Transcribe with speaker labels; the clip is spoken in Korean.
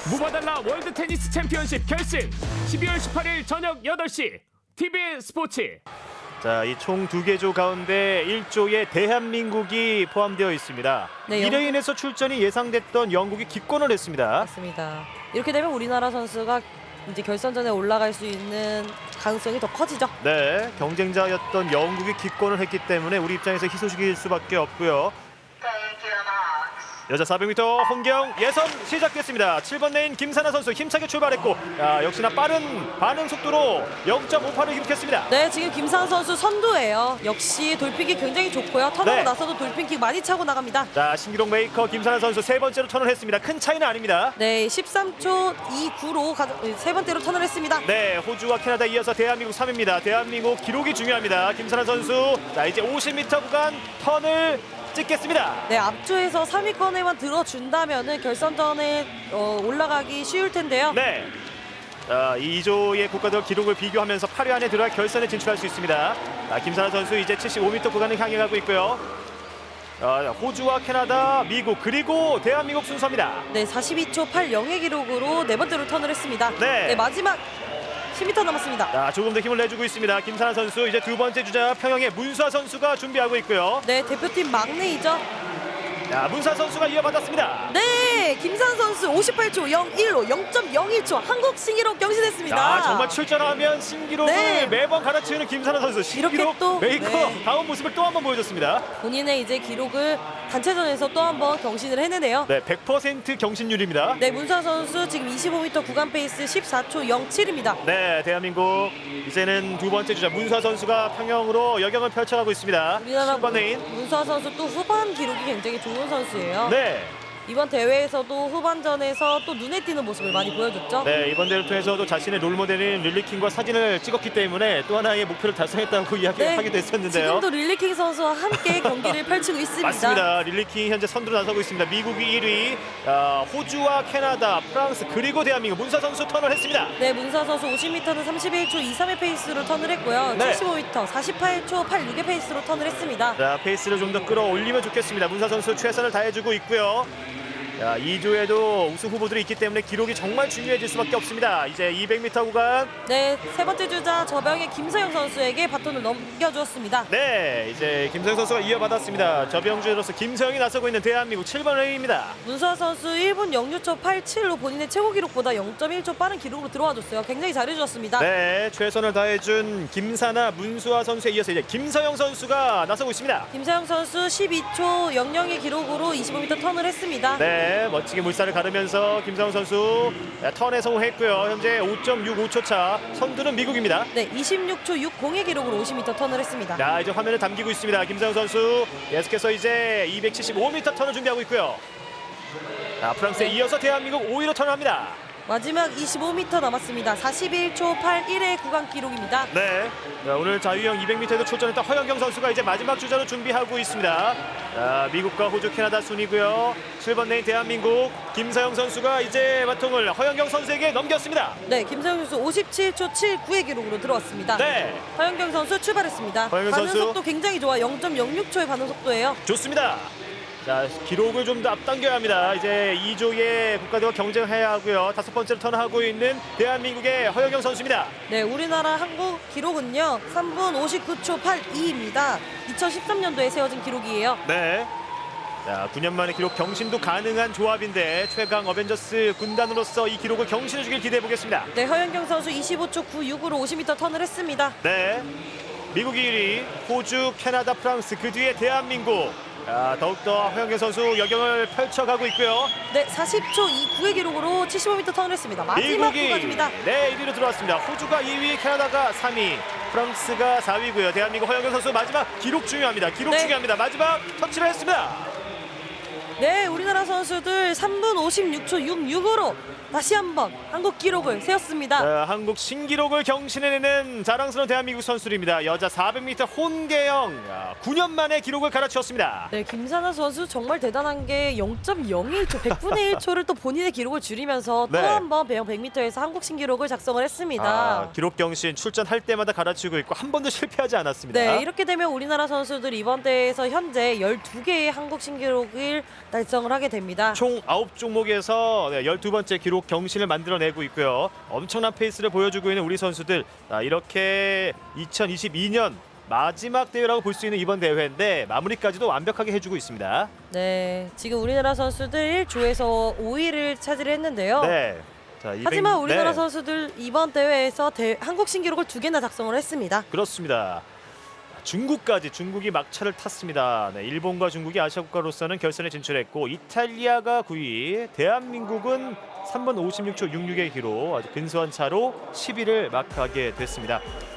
Speaker 1: 무바달라 월드 테니스 챔피언십 결승 12월 18일 저녁 8시 TBN 스포츠.
Speaker 2: 자, 이 총 2개 조 가운데 1조에 대한민국이 포함되어 있습니다.
Speaker 3: 네,
Speaker 2: 이로 인해서 출전이 예상됐던 영국이 기권을 했습니다.
Speaker 3: 맞습니다. 이렇게 되면 우리나라 선수가 이제 결선전에 올라갈 수 있는 가능성이 더 커지죠.
Speaker 2: 네, 경쟁자였던 영국이 기권을 했기 때문에 우리 입장에서 희소식일 수밖에 없고요. 여자 400m 혼경 예선 시작됐습니다. 7번 레인 김사나 선수 힘차게 출발했고 역시나 빠른 반응 속도로 0.58을 기록했습니다.
Speaker 3: 네, 지금 김상 선수 선두예요. 역시 돌핀킥 굉장히 좋고요. 턴하고
Speaker 2: 네.
Speaker 3: 나서도 돌핀킥 많이 차고 나갑니다.
Speaker 2: 자, 신기록 메이커 김사나 선수 세 번째로 턴을 했습니다. 큰 차이는 아닙니다.
Speaker 3: 네, 13초 29로 세 번째로 턴을 했습니다.
Speaker 2: 네, 호주와 캐나다 이어서 대한민국 3위입니다. 대한민국 기록이 중요합니다. 김사나 선수 자, 이제 50m 구간 턴을 찍겠습니다.
Speaker 3: 네, 앞조에서 3위권에만 들어준다면은 결선전에 올라가기 쉬울 텐데요.
Speaker 2: 네. 자, 2조의 국가들 기록을 비교하면서 8위 안에 들어와 결선에 진출할 수 있습니다. 김사나 선수 이제 75m 구간을 향해 가고 있고요. 호주와 캐나다, 미국 그리고 대한민국 순서입니다.
Speaker 3: 네, 42초 80의 기록으로 네 번째로 턴을 했습니다.
Speaker 2: 네.
Speaker 3: 마지막 10m 남았습니다.
Speaker 2: 자, 조금 더 힘을 내주고 있습니다. 김사나 선수 이제 두 번째 주자 평영의 문수아 선수가 준비하고 있고요.
Speaker 3: 네, 대표팀 막내이죠.
Speaker 2: 자, 문수아 선수가 이어받았습니다.
Speaker 3: 네, 김산 선수 58초 01로 0.01초 한국 신기록 경신했습니다.
Speaker 2: 자, 정말 출전하면 신기록을
Speaker 3: 네.
Speaker 2: 매번 갈아치우는 김사나 선수. 신기록
Speaker 3: 이렇게 또,
Speaker 2: 메이커
Speaker 3: 네.
Speaker 2: 다운 모습을 또 한 번 보여줬습니다.
Speaker 3: 본인의 이제 기록을 단체전에서 또 한 번 경신을 해내네요.
Speaker 2: 네, 100% 경신률입니다.
Speaker 3: 네, 문산 선수 지금 25m 구간 페이스 14초 07입니다.
Speaker 2: 네, 대한민국 이제는 두 번째 주자 문수아 선수가 평영으로 여경을 펼쳐가고 있습니다.
Speaker 3: 우리나라
Speaker 2: 10번 레인.
Speaker 3: 문수아 선수 또 후반 기록이 굉장히 좋은 선수예요.
Speaker 2: 네.
Speaker 3: 이번 대회에서도 후반전에서 또 눈에 띄는 모습을 많이 보여줬죠.
Speaker 2: 네, 이번 대회를 통해서도 자신의 롤모델인 릴리킹과 사진을 찍었기 때문에 또 하나의 목표를 달성했다고 이야기하기도 했었는데요.
Speaker 3: 지금도 릴리킹 선수와 함께 경기를 펼치고 있습니다.
Speaker 2: 맞습니다. 릴리킹 현재 선두로 나서고 있습니다. 미국이 1위, 호주와 캐나다, 프랑스 그리고 대한민국 문사 선수 턴을 했습니다.
Speaker 3: 네, 문사 선수 50m는 31초 23의 페이스로 턴을 했고요.
Speaker 2: 네.
Speaker 3: 75m 48초 86의 페이스로 턴을 했습니다.
Speaker 2: 자, 페이스를 좀 더 끌어올리면 좋겠습니다. 문사 선수 최선을 다해주고 있고요. 자, 2조에도 우승 후보들이 있기 때문에 기록이 정말 중요해질 수밖에 없습니다. 이제 200m 구간.
Speaker 3: 네, 세 번째 주자 저병의 김서영 선수에게 바톤을 넘겨주었습니다.
Speaker 2: 네, 이제 김서영 선수가 이어받았습니다. 저병주로서 김서영이 나서고 있는 대한민국 7번 레인입니다.
Speaker 3: 문수아 선수 1분 06초 87로 본인의 최고 기록보다 0.1초 빠른 기록으로 들어와줬어요. 굉장히 잘해주었습니다.
Speaker 2: 네, 최선을 다해준 김사나 문수아 선수에 이어서 이제 김서영 선수가 나서고 있습니다.
Speaker 3: 김서영 선수 12초 00의 기록으로 25m 턴을 했습니다.
Speaker 2: 네, 멋지게 물살을 가르면서 김서영 선수 턴에 성공했고요. 현재 5.65초 차. 선두는 미국입니다.
Speaker 3: 네, 26초 60의 기록으로 50m 턴을 했습니다.
Speaker 2: 자, 이제 화면을 담기고 있습니다. 김서영 선수 계속해서 이제 275m 턴을 준비하고 있고요. 자, 프랑스에 이어서 대한민국 5위로 턴을 합니다.
Speaker 3: 마지막 25m 남았습니다. 41초 81의 구간 기록입니다.
Speaker 2: 네, 자, 오늘 자유형 200m에도 출전했던 허영경 선수가 이제 마지막 주자로 준비하고 있습니다. 자, 미국과 호주, 캐나다 순이고요. 7번 레인 대한민국 김서영 선수가 이제 바통을 허영경 선수에게 넘겼습니다.
Speaker 3: 네, 김서영 선수 57초 79의 기록으로 들어왔습니다.
Speaker 2: 네,
Speaker 3: 허영경 선수 출발했습니다.
Speaker 2: 허영경
Speaker 3: 반응
Speaker 2: 선수.
Speaker 3: 속도 굉장히 좋아. 0.06초의 반응 속도예요.
Speaker 2: 좋습니다. 자, 기록을 좀 더 앞당겨야 합니다. 이제 2조의 국가대와 경쟁해야 하고요. 다섯 번째로 턴하고 있는 대한민국의 허영경 선수입니다.
Speaker 3: 네, 우리나라 한국 기록은요 3분 59초 82입니다. 2013년도에 세워진 기록이에요.
Speaker 2: 네. 자, 9년 만에 기록 경신도 가능한 조합인데 최강 어벤져스 군단으로서 이 기록을 경신해주길 기대해 보겠습니다.
Speaker 3: 네, 허영경 선수 25초 96으로 50m 턴을 했습니다.
Speaker 2: 네. 미국이 1위, 호주, 캐나다, 프랑스 그 뒤에 대한민국. 자, 더욱더 허영경 선수 여경을 펼쳐가고 있고요.
Speaker 3: 네, 40초 29의 기록으로 75m 턴을 했습니다. 마지막
Speaker 2: 미국이
Speaker 3: 구간입니다.
Speaker 2: 네, 1위로 들어왔습니다. 호주가 2위, 캐나다가 3위, 프랑스가 4위고요. 대한민국 허영경 선수 마지막 기록 중요합니다. 기록
Speaker 3: 네.
Speaker 2: 중요합니다. 마지막 터치를 했습니다.
Speaker 3: 네, 우리나라 선수들 3분 56초 66으로 다시 한번 한국 기록을 세웠습니다.
Speaker 2: 자, 한국 신기록을 경신해내는 자랑스러운 대한민국 선수들입니다. 여자 400m 혼계영 9년 만에 기록을 갈아치웠습니다.
Speaker 3: 네, 김사나 선수 정말 대단한 게 0.01초, 100분의 1초를 또 본인의 기록을 줄이면서
Speaker 2: 네.
Speaker 3: 또 한 번 배영 100m에서 한국 신기록을 작성을 했습니다.
Speaker 2: 기록 경신 출전할 때마다 갈아치우고 있고 한 번도 실패하지 않았습니다.
Speaker 3: 네, 이렇게 되면 우리나라 선수들 이번 대회에서 현재 12개의 한국 신기록을 달성을 하게 됩니다.
Speaker 2: 총 9종목에서 12번째 기록 경신을 만들어내고 있고요. 엄청난 페이스를 보여주고 있는 우리 선수들. 이렇게 2022년 마지막 대회라고 볼 수 있는 이번 대회인데 마무리까지도 완벽하게 해주고 있습니다.
Speaker 3: 네, 지금 우리나라 선수들 1조에서 5위를 차지했는데요.
Speaker 2: 네. 자, 200,
Speaker 3: 하지만 우리나라
Speaker 2: 네.
Speaker 3: 선수들 이번 대회에서 한국 신기록을 2개나 작성을 했습니다.
Speaker 2: 그렇습니다. 중국이 막차를 탔습니다. 네, 일본과 중국이 아시아 국가로서는 결선에 진출했고 이탈리아가 9위, 대한민국은 3분 56초 66의 기록 아주 근소한 차로 10위를 마크하게 됐습니다.